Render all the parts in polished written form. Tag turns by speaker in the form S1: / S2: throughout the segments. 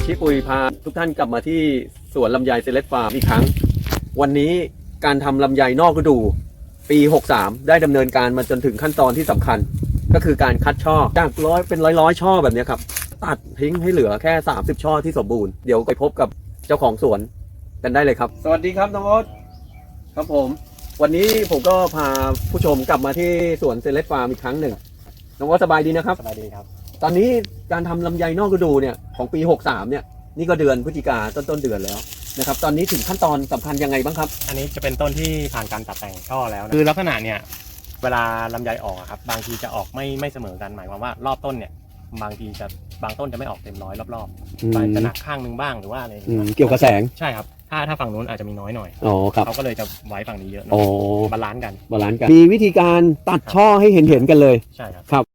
S1: ชิปุยพาทุกท่านกลับมาที่สวนลำไยเซเลสฟาร์มอีกครั้งวันนี้การทำลำไยนอกฤดูปี63ได้ดำเนินการมาจนถึงขั้นตอนที่สำคัญก็คือการคัดช่อจากร้อยช่อแบบนี้ครับตัดทิ้งให้เหลือแค่30ช่อที่สมบูรณ์เดี๋ยวไปพบกับเจ้าของสวนกันได้เลยครับสวัสดีครับน้องโอ๊ตครับผมวันนี้ผมก็พาผู้ชมกลับมาที่สวนเซเลสฟาร์มอีกครั้งหนึ่งน้องโอ๊ตสบายดีนะครับ
S2: สบายดีครับ
S1: ตอนนี้การทำลำไยนอกฤดูเนี่ยของปี63เนี่ยนี่ก็เดือนพฤศจิกาต้นเดือนแล้วนะครับตอนนี้ถึงขั้นตอนสำคัญยังไงบ้างครับ
S2: อันนี้จะเป็นต้นที่ผ่านการตัดแต่งช่อแล้วนะคือลักษณะเนี่ยเวลาลำไยออกครับบางทีจะออกไม่เสมอกันหมายความว่ารอบต้นเนี่ยบางทีจะบางต้นจะไม่ออกเต็มร้อยรอบๆจะหนักข้างนึงบ้างหรือว่าอะไร
S1: เกี่ยวกับแสง
S2: ใช่ครับถ้าฝั่งนู้นอาจจะมีน้อยหน่อยเขาก็เลยจะไว้ฝั่งนี้เยอะบาลานซ์กัน
S1: มีวิธีการตัดช่อให้เห็นกันเลย
S2: ใช่ครับ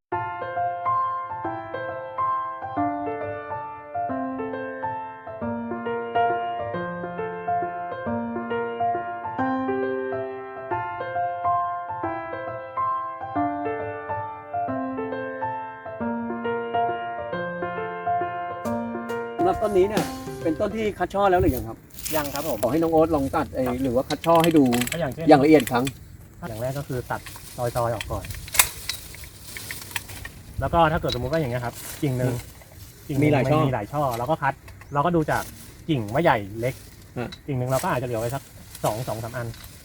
S1: สำหรับต้นนี้เนี่ยเป็นต้นที่คัดช่อแล้วหรือยังครับ
S2: ยังครับผม
S1: ขอให้น้องโอ๊ตลองตัดหรือว่าคัดช่อให้ดู
S2: อย่าง
S1: ละเอียดครั้ง
S2: อย่างแรกก็คือตัดซอยออกก่อนแล้วก็ถ้าเกิดสมมุติว่าอย่างเงี้ยครับกิ่งหนึ่ง
S1: มีหลาย
S2: ช่อแล้วก็คัดเราก็ดูจากกิ่งว่าใหญ่เล็กกิ่งหนึ่งเราก็อาจจะเหลือไว้สักสองสามอัน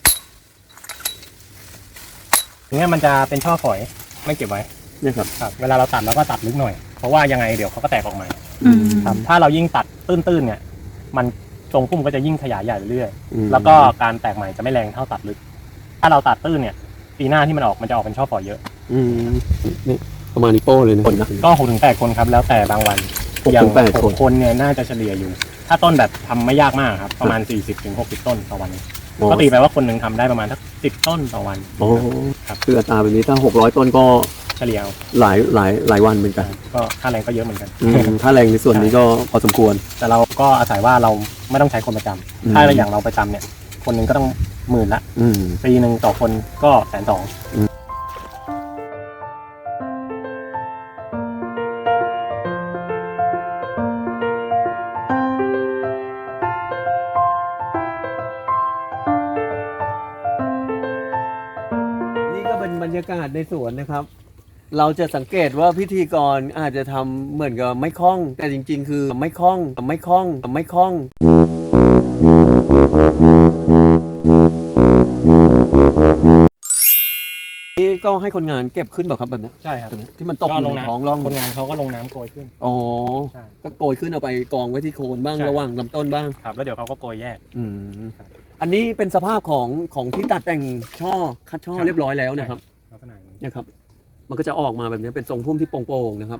S2: อย่างเงี้ยมันจะเป็นช่อฝอยไม่เก็บไว้
S1: นี่ครับ
S2: เวลาเราตัดเราก็ตัดลึกหน่อยเพราะว่ายังไงเดี๋ยวเขาก็แตกออกมาครับถ้าเรายิ่งตัดตื้นเนี่ยมันทรงพุ่มก็จะยิ่งขยายใหญ่เรื่อยๆแล้วก็การแตกใหม่จะไม่แรงเท่าตัดลึกถ้าเราตัดตื้นเนี่ยปีหน้าที่มันมันจะออกเป็นช่อฝอยเยอะ
S1: นี่ประมาณนี้โป้เลยนะ
S2: ก็6-8 คนครับแล้วแต่บางวันอย่าง6 คนเนี่ยน่าจะเฉลี่ยอยู่ถ้าต้นแบบทำไม่ยากมากครับประมาณ40-60 ต้นต่อวันก็ตีไปว่าคนหนึ่งทำได้ประมาณสัก10 ต้นต่อวัน
S1: โอ้ครับคืออัตราแบบนี้ถ้า600 ต้นก็
S2: เฉลี่ย
S1: หลายวันเหมือนกัน
S2: ก็ค่าแรงก็เยอะเหมือนกัน
S1: ค่าแรงในส่วนนี้ก็พอสมควร
S2: แต่เราก็อาศัยว่าเราไม่ต้องใช้คนประจำถ้าอย่างเราประจำเนี่ยคนหนึ่งก็ต้อง10,000ละปีหนึ่งต่อคนก็120,000
S1: บรรยากาศในสวนนะครับเราจะสังเกตว่าพิธีกรอาจจะทำเหมือนกับไม่คล่องแต่จริงๆคือไม่คล่องนี่ก็ให้คนงานเก็บขึ้นหรอครับแบบนี้
S2: ใช่ครับ
S1: ที่มันตกลงท้องร่อง
S2: คนงานเขาก็ลงน้ำโกยขึ้น
S1: อ๋อก็โกยขึ้นเอาไปกองไว้ที่โคนบ้างระหว่างลำต้นบ้าง
S2: ครับแล้วเดี๋ยวเขาก็โกยแยก
S1: อันนี้เป็นสภาพของที่ตัดแต่งช่อคัดช่อเรียบร้อยแล้วนะครับนะครับมันก็จะออกมาแบบนี้เป็นทรงพุ่มที่โป่งๆนะครับ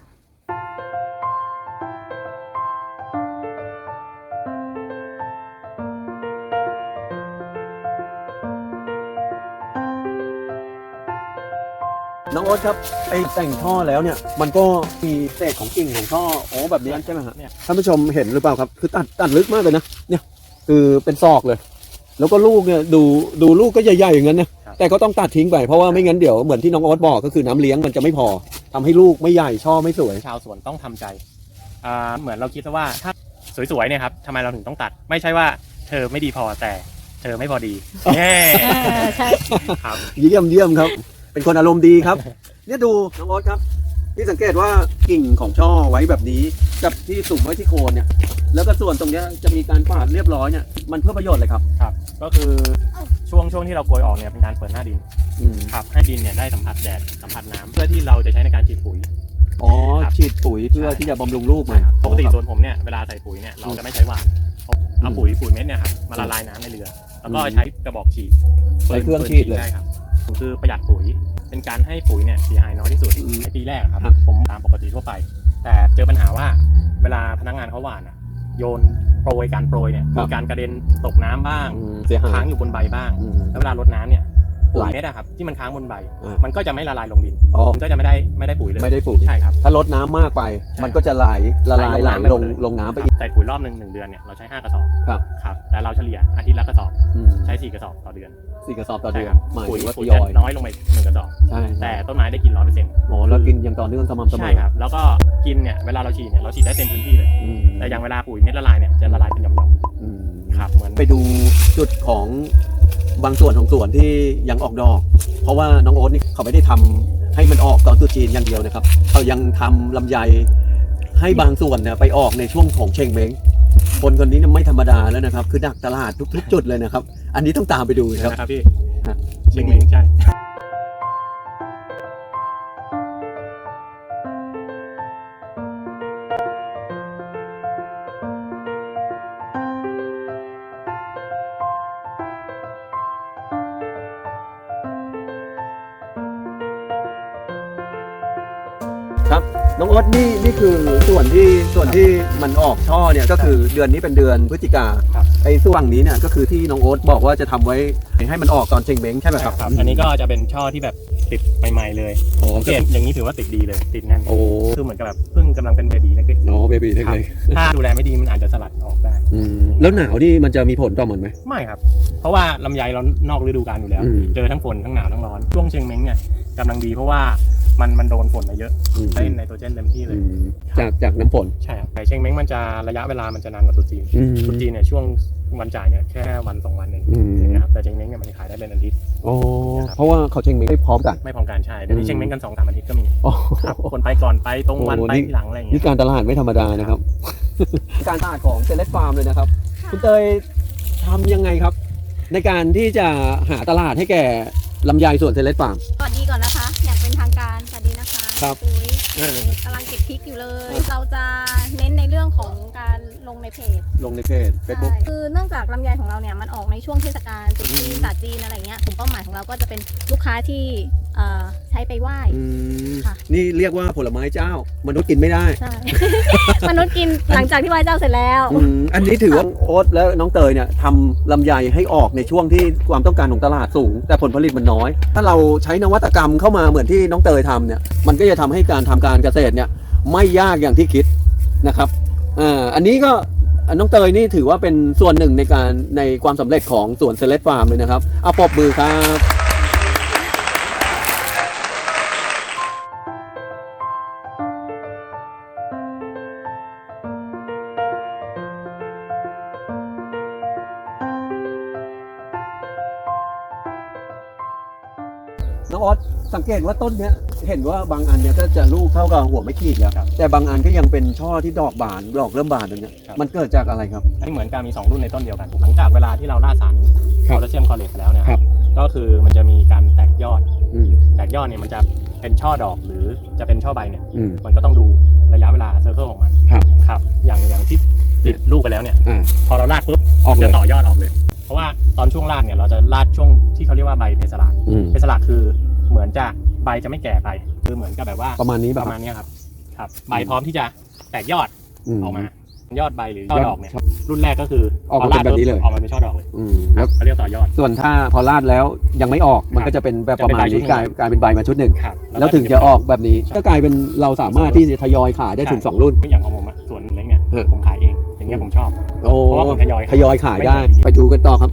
S1: น้องโอ๊ตครับไอแต่งช่อแล้วเนี่ยมันก็มีเศษของกิ่งของช่อแบบนี้ใช่ไหมครับท่านผู้ชมเห็นหรือเปล่าครับคือตัดลึกมากเลยนะเนี่ยคือเป็นศอกเลยแล้วก็ลูกเนี่ยดูลูกก็ใหญ่ๆอย่างนั้นนะแต่ก็ต้องตัดทิ้งไปเพราะว่าไม่งั้นเดี๋ยวเหมือนที่น้องโอ๊ตบอกก็คือน้ำเลี้ยงมันจะไม่พอทำให้ลูกไม่ใหญ่ช่อไม่สวย
S2: ชาวสวนต้องทำใจเหมือนเราคิดว่าถ้าสวยๆเนี่ยครับทำไมเราถึงต้องตัดไม่ใช่ว่าเธอไม่ดีพอแต่เธอไม่พอดีใช่
S1: ครับเยี่ยมครับเป็นคนอารมณ์ดีครับเนี่ยดูน้องโอ๊ตครับที่สังเกตว่ากิ่งของช่อไว้แบบนี้กับที่สุ่มไว้ที่โคนเนี่ยแล้วก็ส่วนตรงนี้จะมีการปาดเรียบร้อยเนี่ยมันเพื่อประโยชน์เลยครับ
S2: ก็คือช่วงที่เราโกยออกเนี่ยเป็นการเปิดหน้าดินครับให้ดินเนี่ยได้สัมผัสแดดสัมผัสน้ำเพื่อที่เราจะใช้ในการฉีดปุ๋ย
S1: ฉีดปุ๋ยเพื่อที่จะบำรุงลูกมัน
S2: ปกติส่วนผมเนี่ยเวลาใส่ปุ๋ยเนี่ยเราจะไม่ใช้หว่านเอาปุ๋ยเม็ดเนี่ยครับมาละลายน้ำในเรือแล้วก็ใช้กระบอกฉีด
S1: ใช้เครื่องฉีดเลย
S2: ใช่ครับคือประหยัดปุ๋ยเป็นการให้ปุ๋ยเนี่ยเสียหายน้อยที่สุดในปีแรกครับผมตามปกติทั่วไปแต่เจอปัญหาว่าเวลาพนักงานเขาหว่านโยนโปรยการโปรยเนี่ยมีการกระเด็นตกน้ำบ้างค้างอยู่บนใบบ้างแล้วเวลารดน้ำเนี่ย
S1: ไหล
S2: เม็ดอะครับที่มันค้างบนใบ
S1: อ่า
S2: มันก็จะไม่ละลายลงดิน
S1: อ๋อ
S2: มันก็จะไม่ได้ปุ๋ยเลย
S1: ไม่ได้ปุ๋ย
S2: ใช่ครับ
S1: ถ้าลดน้ำมากไป มันก็จะละลาย
S2: ไหล
S1: ล
S2: ลง
S1: ง
S2: น้ำ
S1: น้ำ
S2: ไป
S1: ไป
S2: เลย
S1: อีก
S2: ใส่ปุ๋ยรอบหนึ่งเดือนเนี่ยเราใช้5กระสอบ
S1: ครับ
S2: ครับแต่เราเฉลี่ยอาทิตย์ละกระสอบ
S1: อืม
S2: ใช้4กระสอบต่อเดือน
S1: 4 กระสอบต่อเดือน
S2: ใช่ครับ
S1: หมาย
S2: ปุ๋ย
S1: ถึงว่าท
S2: ปุ๋ย
S1: ย
S2: จะ
S1: อย
S2: น้อยลงไป1กระสอบ
S1: ใช่
S2: แต่ต้นไม้ได้กิน100%
S1: อ๋อแล้วกินอย่างต่อเนื่องสม่ำเสมอ
S2: ใช่ครับแล้วก็กินเนี่ยเวลาเราฉีดเนี่ยเราฉีดได้เต็มพื้นที่เลย
S1: อืม
S2: แต่อย่างเวลาปุ๋ยเม็ดละลายเนี่ยจะละลายเป็นหย่อม
S1: อืม
S2: ๆครับเหมือน
S1: ไปดูจุดของบางส่วนของสวนที่ยังออกดอก เพราะว่าน้องโอ๊ตนี่เขาไม่ได้ทำให้มันออกตอนตรุษจีนอย่างเดียวนะครับเขายังทำลำไยให้บางส่วนเนี่ยไปออกในช่วงของเชงเม้งคนคนนี้เนี่ยไม่ธรรมดาแล้วนะครับ คือดักตลาดทุกๆจุดเลยนะครับ อันนี้ต้องตามไปดูครับ
S2: นะครับพี่
S1: ฮะ
S2: เชียงเม้งใช่
S1: ครับน้องโอ๊ตนี่คือส่วนที่มันออกช่อเนี่ยก็คือเดือนนี้เป็นเดือนพฤศจิกา
S2: ครับ
S1: ไอ้ส่วนนี้เนี่ยก็คือที่น้องโอ๊ตบอกว่าจะทำไว้ให้มันออกตอนเชงเม้งใช่ไหมครับ
S2: อันนี้ก็จะเป็นช่อที่แบบติดใหม่ๆเลย
S1: โอ้
S2: สังเกตอย่างนี้ถือว่าติดดีเลยติดแน่น
S1: โอ้
S2: คือเหมือนกับแบบเพิ่งกำลังเป็นเบบีเล็ก
S1: โอ้เบบี้
S2: ๆ
S1: เล็ก
S2: ครับถ้าดูแลไม่ดีมันอาจจะสลัดออกได้
S1: แล้วหนาวนี่มันจะมีผลต่อมันไหม
S2: ไม่ครับ เพราะว่าลำไยเรานอกฤดูกาลอยู่แล้ว
S1: อืม
S2: เจอทั้งฝนทั้งหนาวทั้งร้อน ช่วงเชียงเม้งเนี่ยกำลังดีเพราะว่ามันโดนฝนมาเยอะ ได้ไนโตรเจนเต็มที่เลย
S1: จากน้ำฝน
S2: ใช่ครับแต่เชียงเม้งมันจะระยะเวลามันจะนานกว่าตรุษจีนตรุษจีนเนี่ยช่วงวันจ่ายเนี่ยแค่วัน2 วันเองนะครับแต่เชียงเม้งเนี่ยมันขายได้เป็นอาทิตย์
S1: โอ้เพราะว่าเขาเชงเม้งไม่พร้อมกัน
S2: ไม่พร้อมกันใช่เดี๋ยวนี้เชียงเม้งกัน2-3 อาทิตย์ก็มี
S1: โอ้
S2: ครับคนไปก่อนไปตรงวัน
S1: โอ้
S2: ไป
S1: นี่
S2: ทีหลังอะไรอย่าง
S1: นี่
S2: เงี้ย
S1: การตลาดไม่ธรรมดานะครับ การตลาดของเซเลสฟาร์มเลยนะครับ คุณเตยทำยังไงครับ ในการที่จะหาตลาดให้แก่ลำไยส่วนเซเลสฟาร์ม
S3: สวัสดีก่อนนะคะ อย่างเป็นทางการสวัสดีนะคะ
S1: ครับ
S3: ปุ๋ยกำลังเก็บพริกอยู่เลย เราจะเน้นในเรื่องของการลงในเพจ
S1: ลงในเพจเฟซบุ๊ก
S3: ใช่คือเนื่องจากลำไยของเราเนี่ยมันออกในช่วงเทศกาลตรุษจีนศาสตร์จีนอะไรเงี้ยกลุ่มเป้าหมายของเราก็จะเป็นลูกค้าที่ใช้ไปไหว้ ค่ะ
S1: นี่เรียกว่าผลไม้เจ้ามนุษย์กินไม่ได้
S3: ใช่ มนุษย์กินหลังจากที่ไหว้เจ้าเสร็จแล้ว
S1: อันนี้ถือว่าโอ๊ตและน้องเตยเนี่ยทำลำไยให้ออกในช่วงที่ความต้องการของตลาดสูง แต่ผลผลิตมันน้อย ถ้าเราใช้นวัตกรรมเข้ามาเหมือนที่น้องเตยทำเนี่ยมันก็จะทำให้การทำการเกษตรเนี่ยไม่ยากอย่างที่คิดนะครับอันนี้ก็น้องเตยนี่ถือว่าเป็นส่วนหนึ่งในความสำเร็จของสวนเซเลสฟาร์มเลยนะครับเอาปรบมือครับ น้องออสสังเกตว่าต้นเนี้ยเห็นว่าบางอันเนี่ยก็จะลูกเท่ากับหัวไม่ขีดแล้ว
S2: ครับ
S1: แต่บางอันก็ยังเป็นช่อที่ดอกบานดอกเริ่มบานตรงเนี้ย
S2: ครับ
S1: มันเกิดจากอะไรครับ
S2: อันนี้เหมือนการมี2 รุ่นในต้นเดียวกัน หลังจากเวลาที่เราล่าสาร
S1: ค
S2: โพ
S1: รับ
S2: แทสเซียมคลอเรตไปแล้วเนี่ย
S1: ครับ
S2: ก็คือมันจะมีการแตกยอด
S1: อืม
S2: แตกยอดเนี่ยมันจะเป็นช่อดอกหรือจะเป็นช่อใบเนี่ย
S1: อืม
S2: มันก็ต้องดูระยะเวลาเซอร์เคิลของมัน
S1: ครับ
S2: ครับอย่างที่ติดลูกไปแล้วเนี่ย
S1: อ่า
S2: พอเราลาดปุ๊บ
S1: ออกเลย
S2: จะต่อยอดออกเลย เพราะว่าตอนช่วงลาดเนี่ยเราจะลาดช่วงที่เขาเรียกว่าใบเพสลาด
S1: อืม
S2: เพสลาดคือเหมือนจะใบจะไม่แก่ไปคือเหมือนกับแบบว่า
S1: ประมาณนี้
S2: ป
S1: แบบ
S2: ระมาณเนี้ยครับใบพร้อมที่จะแตกยอดออกมา ยอดใบหรือช่อดอกเนี่ยรุ่นแรกก็คือ
S1: ออกมาเป็นแบบนี้เลย
S2: ออกมาเป็นช่อดอกเลย
S1: แล้ว
S2: เขาเรียกต่อยอด
S1: ส่วนถ้าพอลาดแล้วยังไม่ออกมันก็จะเป็นแบบประมาณนี้
S2: จะเป็นใบชุดหนึ่ง
S1: กลายเป็นใบมาชุดหนึ่ง
S2: ครับ
S1: แล้วถึงจะออกแบบนี้ก็กลายเป็นเราสามารถที่จะทยอยขายได้ถึง 2 รุ่น
S2: อย่างของผมอะส่วนเล็กเนี่ย
S1: เออ
S2: ผมขายเองอย่างเงี้ยผมชอบ
S1: โอ้
S2: เพราะว่าผมทยอย
S1: ทยอยขายได้
S2: ไม่เหมือน
S1: ไปดูกันต่อครับ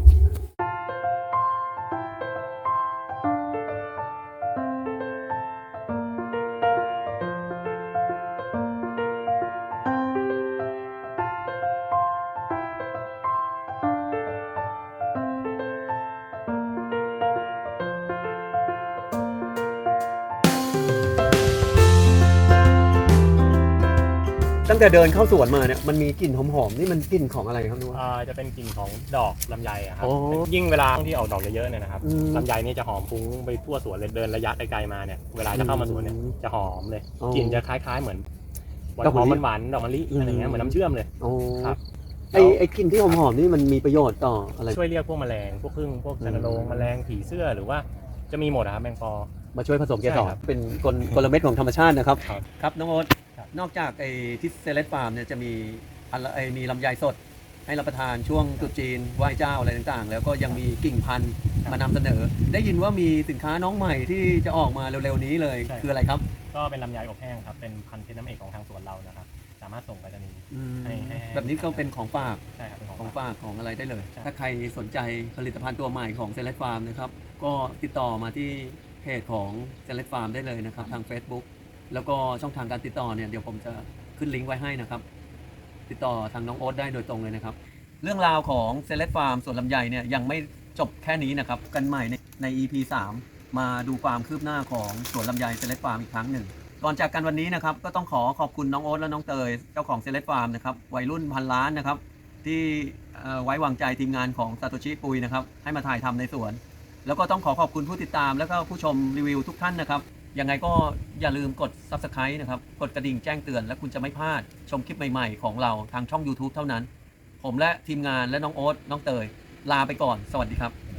S1: ตั้งแต่เดินเข้าสวนมาเนี่ยมันมีกลิ่นหอมๆนี่มันกลิ่นของอะไรครับนุ้ย
S2: จะเป็นกลิ่นของดอกลำไยอะครับ
S1: โอ้
S2: ยิ่งเวลาที่ออกดอกเยอะๆเนี่ยนะครับ
S1: อืม
S2: ลำไยนี่จะหอมฟุ้งไปทั่วสวนเลยเดินระยะไกลๆมาเนี่ยเวลาจะเข้ามาสวนเนี่ยจะหอมเลย
S1: อ๋อ
S2: กลิ่นจะคล้ายๆเหมือนห
S1: ดอก
S2: อ
S1: มะ
S2: ม
S1: ลิ
S2: หวานๆดอกมะลิ
S1: อืม
S2: อะไรเงี้ยเหมือนน้ำเชื่อมเลย
S1: โอ้
S2: ครับ
S1: ไอ้กลิ่นที่หอมๆนี่มันมีประโยชน์ต่ออะไร
S2: ช่วยเรียกพวกแมลงพวกผึ้งพวกชันโรงแมลงผีเสื้อหรือว่าจะมีหมดอะครับแมงปอ
S1: มาช่วยผสมเกส
S2: ใช่
S1: ร
S2: ครับ
S1: เป็นกลเม็ดของธรรมชาตินะครับ
S2: ครับ
S1: ครับน้องโอ๊ต
S2: ครับ
S1: นอกจากไอ้ที่เซเลสฟาร์มเนี่ยจะมีอะไรมีลำไยสดให้รับประทานช่วงตรุษจีนไหว้เจ้าอะไรต่างๆ แล้วก็ยังมีกิ่งพันธุ์มานำเสนอ ได้ยินว่ามีสินค้าน้องใหม่ที่จะออกมาเร็วๆนี้เลย
S2: ใช่
S1: คืออะไรครับ
S2: ก็เป็นลำไยอบแห้งครับเป็นพันธุ์เพชรน้ำเอกของทางสวนเรานะครับสามารถส่งไปรษณีย์ ให้
S1: แบบนี้ก็เป็นของฝาก
S2: ใช่ครับเป็นของ
S1: ของ
S2: ฝาก
S1: ฝากของอะไรได้เลย
S2: ใช่
S1: ถ้าใครสนใจผลิตภัณฑ์ตัวใหม่ของเซเล t ฟาร์มนะครับ ก็ติดต่อมาที่เพจของเซเล t ฟาร์มได้เลยนะครับ ทาง Facebook แล้วก็ช่องทางการติดต่อเนี่ยเดี๋ยวผมจะขึ้นลิงก์ไว้ให้นะครับ ติดต่อทางน้องโอ๊ตได้โดยตรงเลยนะครับ เรื่องราวของเซเล t ฟาร์มสวนลำไยเนี่ยยังไม่จบแค่นี้นะครับ กันใหม่ใน EP 3 มาดูความคืบหน้าของสวนลำไยเซเล t ฟาร์มอีกครั้งหนึ่ง ก่อนจากกันวันนี้นะครับก็ต้องขอบคุณน้องโอ๊ตและน้องเตยเจ้าของเซเล t ฟาร์มนะครับวัยรุ่นพันล้านนะครับที่ไว้วางใจทีมงานของซาโตชิปุยนะครับให้มาถ่ายทำในสวน แล้วก็ต้องขอบคุณผู้ติดตามแล้วก็ผู้ชมรีวิวทุกท่านนะครับยังไงก็อย่าลืมกด Subscribe นะครับกดกระดิ่งแจ้งเตือนและคุณจะไม่พลาดชมคลิปใหม่ๆของเราทางช่อง YouTube เท่านั้น ผมและทีมงานและน้องโอ๊ตน้องเตยลาไปก่อนสวัสดีครับ